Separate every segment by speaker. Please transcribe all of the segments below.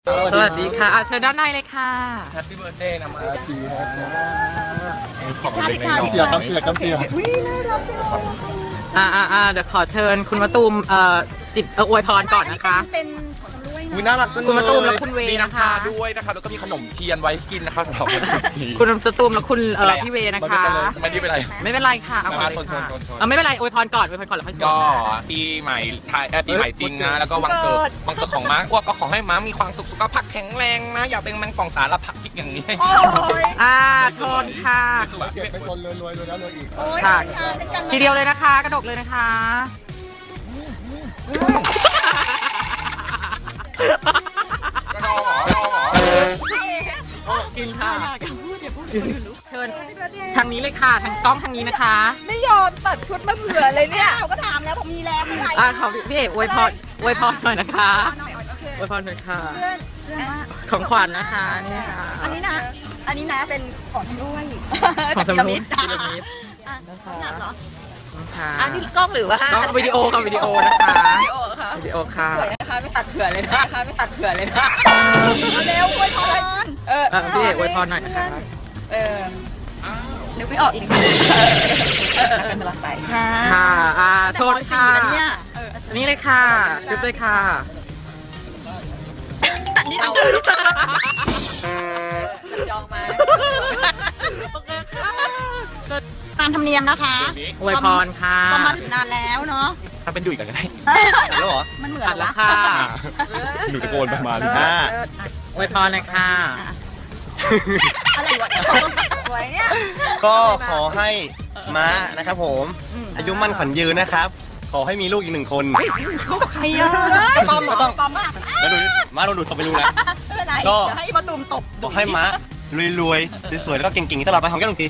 Speaker 1: สวัสดีค่ะเชิญด้านในเลยค่ะ
Speaker 2: แฮปปี้เบิร์ดเดย์นะมา
Speaker 3: เสียกำเสียกำเสีย
Speaker 1: เดี๋ยวขอเชิญคุณมะตูมจิบอวยพรก่อนนะคะ
Speaker 4: เป็นของชำร่วยนะ
Speaker 2: น่ารักจังเลย
Speaker 1: คุณมะตูมและคุณเว
Speaker 2: มี
Speaker 1: นะคะ
Speaker 2: น้ำชาด้วยนะคะแล้วก็มีขนมเทียนไว้กินนะคะสำหรับวันนี้
Speaker 1: คุณมะตูมและคุณพี่เวนะคะ
Speaker 2: ไม่ได้เป็นไร
Speaker 1: ไม่เป็นไรค่ะเอา
Speaker 2: มาชน
Speaker 1: ไม่เป็นไรอวยพรก่อนแล้วค่อยชน
Speaker 2: ก็ปีใหม่ไทยปีใหม่จริงนะแล้วก็วันเกิดของม้าอ้วกก็ขอให้ม้ามีความสุขสุขภาพแข็งแรงนะอย่าเป็นมันป่องสารพัดพิษอย่างนี้
Speaker 1: ชนค่ะ
Speaker 3: เก็บไปชนรวยแล้วรวยอีก
Speaker 1: ค่ะทีเดียวเลยนะคะกระดกเลยนะคะกินค่ะเชิญทางนี้เลยค่ะทางกล้องทางนี้นะคะ
Speaker 4: ไม่ยอมตัดชุดมาเผื่อเลยเนี่ยเขาก็ถามแล้วผมมีแล้วเมื่อไหร่
Speaker 1: ขอพี่เอกอวยพรหน่อยนะคะอวยพรหน่อยค่ะของขวัญนะคะนี่ค่ะ
Speaker 4: อันนี้นะเป็นของชำร่วย
Speaker 1: ของชำร่วย
Speaker 4: นะคะ
Speaker 1: อัน
Speaker 4: นี้กล้องหรือว่าก
Speaker 1: ล้องวิดีโอค่ะวิดีโอนะคะวิดีโอค่ะ
Speaker 4: สวยนะคะไม่ตัดเผื่อเลยนะเร็วอวยพร
Speaker 1: พี่เอกอวยพรหน่อยนะคะ
Speaker 4: นึกไม่ออกอีกเป็นกำลังใจ
Speaker 1: ค่ะโชดค่ะนี่เลยค่ะจุ๊บเลยค่ะ
Speaker 4: นี่เอายองมาตามธรรมเนียมนะคะ
Speaker 1: อวยพรค่ะ
Speaker 4: ก็มาถึงนานแล้วเนาะ
Speaker 2: ถ้าเป็นดุยกันก็ได้
Speaker 3: แล้วเหรอ
Speaker 4: มันเหมือน
Speaker 1: แล้วค่ะ
Speaker 2: หนูตะโกนประมาณ
Speaker 1: อวยพรเลยค่ะ
Speaker 4: อะไรวะเนี่ย
Speaker 3: ก็ขอให้ม้านะครับผมอายุมั่นขวัญยืนนะครับขอให้มีลูกอีก1 คน
Speaker 4: ใครอ่ะปอมมาก
Speaker 3: แล้วดูม้าโดนดูดตบไปรู้นะ
Speaker 4: ก็ให้มาตุ่มตบ
Speaker 3: บอกให้ม้ารวยๆสวยๆแล้วก็เก่งๆตลอดไปหอมแก้ม1 ที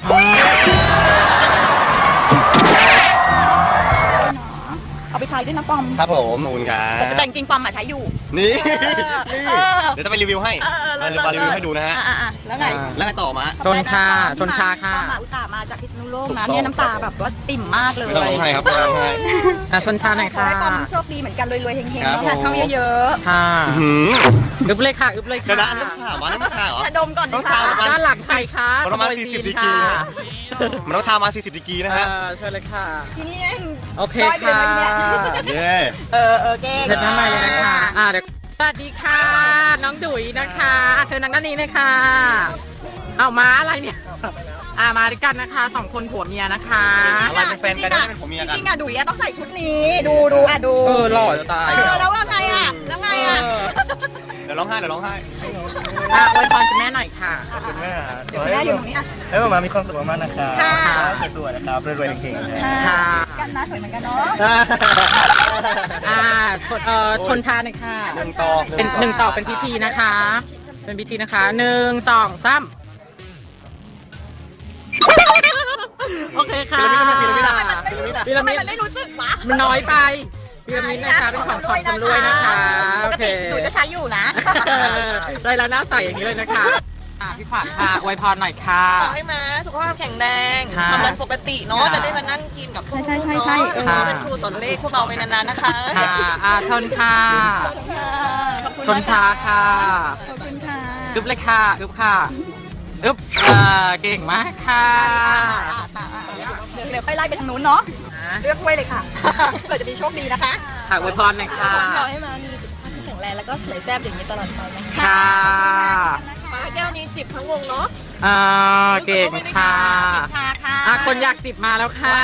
Speaker 4: เอาไปใช้ด้วยนะปอม
Speaker 3: ครับผมขอบคุณครับ
Speaker 4: แต่จริงปอมใช้อยู่
Speaker 3: นี่เดี๋ยวจะไปรีวิวให้มารีวิวให้ดูนะฮะ
Speaker 4: แล้วไง
Speaker 3: ต่อมา
Speaker 1: ชนค่ะชนชาค่ะ
Speaker 4: ปอมอุตส่าห์มาจากพิษณุโลกนะเนี่ยน้ำตาแบบว่าติ่มมากเลย
Speaker 3: ร้องไห้ครับร้องไห้
Speaker 1: ชนชาหน่อยค่ะ
Speaker 4: ปอมโชคดีเหมือนกันรวยๆเฮงๆแล้วค่ะเข้าเยอะ
Speaker 1: ๆค่ะอึบเลยค่ะก
Speaker 3: ระดานน้ำชาเหรอ
Speaker 4: ดมก่อน
Speaker 3: ต้องชา
Speaker 1: ด้านหลังใส่ค่ะ
Speaker 3: ประมาณ40 ดีกรีมันต้องชามา40 ดีกรีนะฮะ
Speaker 1: เชิญเลยค่ะ
Speaker 4: ทีนี้
Speaker 1: โอเคค่ะ
Speaker 3: เย้
Speaker 4: เก่ง
Speaker 1: เชิญด้านในเลยนะคะเดี๋ยวสวัสดีค่ะน้องดุ๋ยนะคะเชิญนั่งด้านนี้เลยค่ะเอามาอะไรเนี่ยมาด้วยกันนะคะ2 คนผัวเมียนะคะ
Speaker 3: เป็นแฟนกันได้เป็นผัวเมียกัน
Speaker 4: จริงดุ๋ยต้องใส่ชุดนี้ดู
Speaker 1: หล่อจะตาย
Speaker 4: แล้วไงเ
Speaker 3: ดี๋ยวร้องไห้
Speaker 1: อวยพรคุณแม่หน่อยค่ะ
Speaker 3: คุณแม่
Speaker 4: อยู่ตรงนี้
Speaker 3: ให้มามีความสุขมากนะครับสวยๆนะครับรวยๆเก่ง
Speaker 4: ๆกันนะสวยเหมือนกันเนา
Speaker 1: ะชนชาหน่อยค่ะเป็น1 ต่อเป็นพิธีนะคะเป็นพิธีนะคะ1 2 3โอเคค่ะ
Speaker 4: ทำไมมันไม่รู้สึกวะ
Speaker 1: มันน้อยไปพีระมิดนะคะเป็นของชำร่วยนะคะโอเค
Speaker 4: ดุ๋ยจะใช้อยู่นะ
Speaker 1: ได้แล้วหน้าใสอย่างนี้เลยนะคะพี่ขวัญค่ะอวยพรหน่อยค่ะ
Speaker 5: ขอให้ม้าสุขภาพแข็งแรงความดันปกติเนาะจะได้มานั่งกินกับ
Speaker 4: ใช่
Speaker 5: เป็นครูสอนเลขพวกเราไปนานๆนะคะ
Speaker 1: ชนค่ะชนชาค่ะ
Speaker 4: ขอบคุณค่ะ
Speaker 1: อึบเลยค่ะอึบค่ะอึบเก่งมากค่ะ
Speaker 4: เดี๋ยวค่อยไล่ไปทางนู้นเนาะเลือกไว้เลยค่ะเผื่อจะมีโชคดีนะคะ
Speaker 1: อวยพรหน่อยค่ะ
Speaker 5: ขอให้ม้ามีสุขภาพที่แข็งแรงแล้วก็สวยแซ่บอย่างนี้ตลอดไปนะคะ
Speaker 1: ค่ะ
Speaker 5: ม้าแก้วนี้จิบทั้งวงเนาะ
Speaker 1: เก่งค่ะ
Speaker 4: ชาค่ะ
Speaker 1: คนอยากจิบมาแล้วค่ะ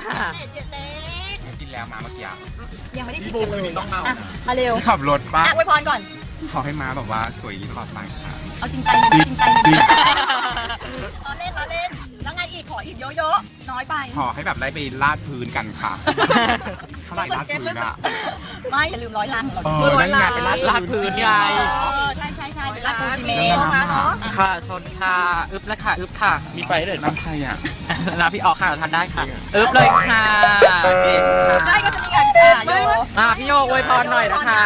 Speaker 2: กินแล้วมาเมื่อกี้
Speaker 4: ยังไม่ได้จิบกันเลยมาเร็ว
Speaker 2: ขับรถป้า
Speaker 4: อวยพรก่อน
Speaker 2: ขอให้ม้าแบบว่าสวยยิ่งตลอดไปค่ะ
Speaker 4: เอาจริงใจล้อเล่นแล้วไงอีกขออีกเยอะๆน้อยไป
Speaker 2: ขอให้แบบได้ไปลาดพื้นกันค่ะเท่าไหร่ลาดพื้นอะ
Speaker 4: ไม่อย่าลืม100 ลัง
Speaker 2: นั่นไงไป
Speaker 1: ลาดพื้นไง
Speaker 4: ใช่ไปลาดพื้นซีเมนต์
Speaker 1: ค่ะชนค่ะอึบแล้วค่ะอึบค่ะ
Speaker 2: มีไปเลยน้ำใครอ่ะ
Speaker 1: น้ำพี่ออกค่ะทานได้ค่ะอึบเลยค่ะเก่ง
Speaker 4: ได้ก็จะมีกัน
Speaker 1: พี่โยอวยพรหน่อยนะคะ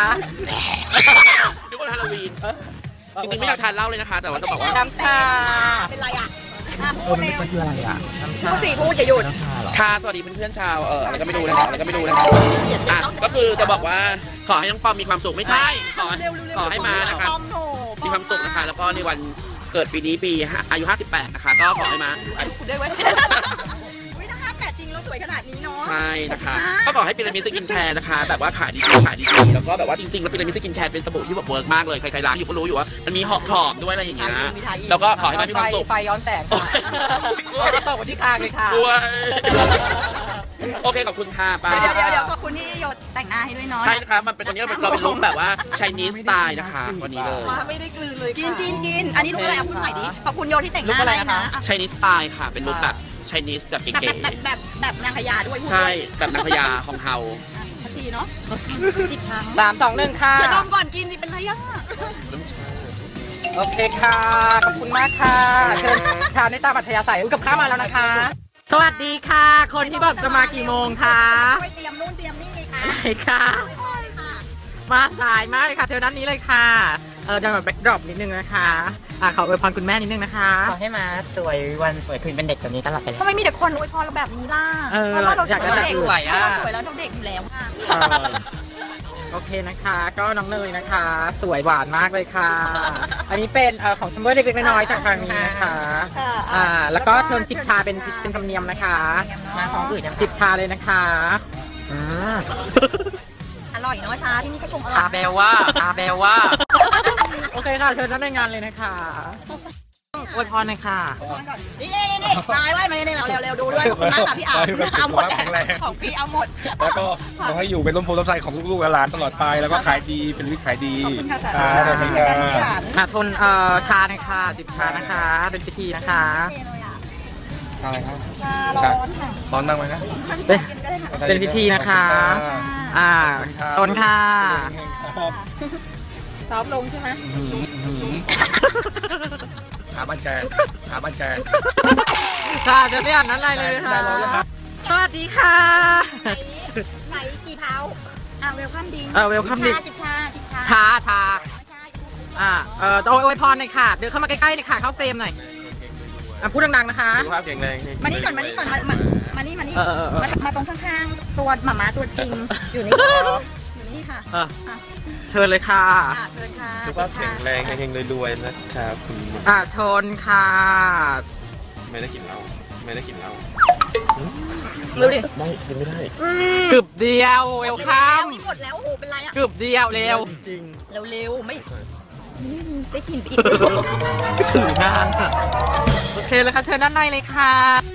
Speaker 5: ทุกคนฮาโลวีนจริงๆไม่อยากทานเหล้าเลยนะคะแต่ว่าต้องบอกว่า
Speaker 4: น้ำชาเป็นไรอ่ะพูดเร็ว
Speaker 2: มันคืออะไรอ่ะ
Speaker 4: พูดสิพูดอย่าหยุด
Speaker 6: ค่ะสวัสดีเพื่อนๆชาวอะไรก็ไม่รู้นะครับอะไรก็ไม่รู้นะครับอ่ะก็คือจะบอกว่าขอให้น้องปอมมีความสุขไม่ใช่ขอให้มานะครับมีความสุขนะคะแล้วก็ในวันเกิดปีนี้ปีอายุ 58 นะคะก็ขอให้มา
Speaker 4: คุณได้ไว้ถ้า58จริงแล้วสวยขนาดนี้เนาะ
Speaker 6: ใช่นะคะก็ขอให้พีระมิดสกินแคร์นะคะแบบว่าขายดีแล้วก็แบบว่าจริงๆแล้วพีระมิดสกินแคร์เป็นสบู่ที่แบบเวิร์กมากเลยใครๆร้านอยู่ก็รู้อยู่ว่ามันมีหอมด้วยอะไรอย่างเงี้ยแล้วก็ขอให้มามีความสุข
Speaker 1: ไฟย้อนแสงค่ะไม่ได้ตกมาที่คางเลยค่ะ
Speaker 6: ด้วยโอเคขอบคุณค่ะป้า
Speaker 4: เดี๋ยวขอบคุณที่หยดแต่งหน้าให้ด้วยเนาะ
Speaker 6: ใช่นะคะมันเป็นตัวนี้เราเป็นลุคแบบว่า Chinese style นะคะวันนี้เลย
Speaker 1: มาไม่ได้กลืนเลย
Speaker 4: กินอันนี้ลูกอะไรอ่ะพูดใหม่ดิขอบคุณโยที่แต่งหน้าให้นะ
Speaker 6: Chinese style ค่ะเป็นลุคแบบ Chinese แบบเก๋
Speaker 4: แบบนางพญาด้วย
Speaker 6: ๆใช่แบบนางพญาของเฮา
Speaker 4: พัชีเนาะจิบทาง
Speaker 1: 3 2 1 ค่ะ
Speaker 4: อย่าดมก่อนกินสิเป็นไรอ่ะ
Speaker 1: โอเคค่ะ ขอบคุณมากค่ะเชิญทานได้ตามอัธยาศัยกับข้าวมาแล้วนะคะ สวัสดีค่ะ คนที่บอกจะมากี่โมงคะ
Speaker 4: ไปเตรียมนู่นเตรียมนี่ไงคะ
Speaker 1: ไหนค่ะ มาสายมากเลยค่ะ เชิญด้านนี้เลยค่ะเดี๋ยวแบบแบ็คดรอปนิดนึงนะคะขออวยพรคุณแม่นิดนึงนะคะ
Speaker 7: ขอให้มาสวยวันสวยคืนเป็นเด็กแบบนี้ตลอดไปเลย
Speaker 4: ทำไมมีแต่คนอวยพรเราแบบนี้ล่ะเพราะว่าเราสวยแล้วเด็กสวยแล้วเราเด็กอยู่แล้วค่ะ
Speaker 1: โอเคนะคะ ก็น้องเนยนะคะ สวยหวานมากเลยค่ะ อันนี้เป็นของซัมเมอร์เล็กๆน้อยๆจากทางนี้นะคะแล้วก็เชิญจิบชาเป็นธรรมเนียมนะคะ
Speaker 7: มาของอื่นยัง
Speaker 1: จิบชาเลยนะคะ
Speaker 4: อร่อยเนาะชาที่นี่ก็ชงอร่
Speaker 7: ตา
Speaker 4: อย
Speaker 7: แบลว่าตาแบลว่า
Speaker 1: โอเคค่ะ เชิญท่านในงานเลยนะคะอวยพรหน่อยค่ะ
Speaker 4: นี่ตายไว้มาเนี่ยเร็วดูด้วยขอบคุณมากค่ะพี่อาเอาหมดของพี่เอาหมด
Speaker 2: แล้วก็ขอให้อยู่เป็นร่มโพล่มไทรของลูกๆหลานตลอดไปแล้วก็ขายดีเป็นวิถีขายดี
Speaker 4: ขอบคุณค่ะสา
Speaker 2: สวัสดีครับ
Speaker 1: ชนชาหน่อยค่ะจิบชานะคะ เป็นพิธีนะคะ
Speaker 2: อะไรครับ
Speaker 4: ชาร้อนค่ะ
Speaker 2: ร้อนมากไหมนะ
Speaker 1: เป็นพิธีนะคะชนค่ะซอฟลงใช่ไหม
Speaker 2: ชาบ้านแกชาบ้านแก
Speaker 1: ค่ะจะไม่อ่านนั้นอะไรเลยค่ะสวัสดีค่ะ
Speaker 4: ใส่กี่เท้าเวลคัมดิ้ง
Speaker 1: เวลคัมดิ้ง
Speaker 4: จิบชา
Speaker 1: อวยพรหน่อยค่ะเดินเข้ามาใกล้ๆหน่อยค่ะเข้าเฟรมหน่อยพูดดังๆนะคะ
Speaker 3: สุขภาพแข็งแรง
Speaker 4: มานี่ก่อนมานี่มาตรงข้างๆตัวหม่าม้าตัวจริงอยู่นี่ค่ะ
Speaker 1: เชิญเลยค่ะ
Speaker 4: เชิญค่ะ
Speaker 3: สุขภาพแข็งแรงเฮงๆรวยๆนะครับคุณ
Speaker 1: ชนค่ะ
Speaker 3: ไม่ได้กินเหล้าไม่ได้กินเหล้า
Speaker 4: เร็วดิ
Speaker 3: ไม่กินไม่ได้
Speaker 1: กึบเดียวเวลคัม
Speaker 4: นี่หมดแล้วโอ้โหเป็นไรอ่ะ
Speaker 1: กึบเดียวเร็ว
Speaker 3: จริง
Speaker 4: เร็วไม่ได้กินไปอีก
Speaker 1: ถืองานโอเคเลยค่ะเชิญด้านในเลยค่ะ